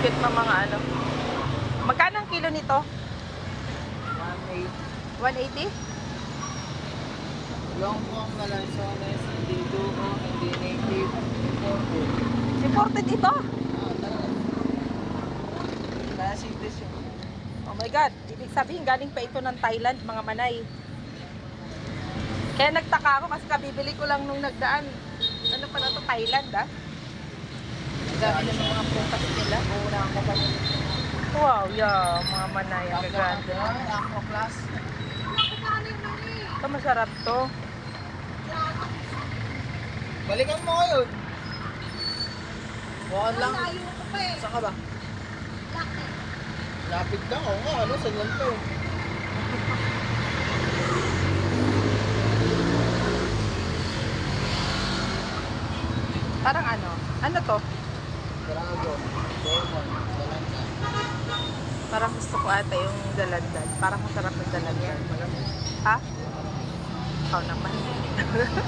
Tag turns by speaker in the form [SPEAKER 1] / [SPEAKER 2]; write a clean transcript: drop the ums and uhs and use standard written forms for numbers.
[SPEAKER 1] Cute na mga ano. Magkano ang kilo nito? 180?
[SPEAKER 2] Long pong na lansones, hindi dugo, hindi native, imported.
[SPEAKER 1] Imported ito?
[SPEAKER 2] Talaga. Kaya seedless yun.
[SPEAKER 1] Oh my God. Ibig sabihin, galing pa ito ng Thailand, mga manay. Kaya nagtaka ako kasi kabibili ko lang nung nagdaan. Ano pala ito? Thailand, ah? Ang dami ng mga prutas nila.
[SPEAKER 2] Una ang kapatid.
[SPEAKER 1] Wow, yeah. Mga manay. Ang gaganda.
[SPEAKER 2] Aqua class.
[SPEAKER 1] Ito, masarap to.
[SPEAKER 2] Balikan mo ngayon. Bukan lang. Saan ka ba? Lapit lang. Oo nga, ano? Saan lang to?
[SPEAKER 1] Parang ano? Ano to?
[SPEAKER 2] Dragon. Lemon. Dalandan.
[SPEAKER 1] Parang gusto ko ata yung dalandan. Parang masarap yung dalandan. Ha? Ikaw naman.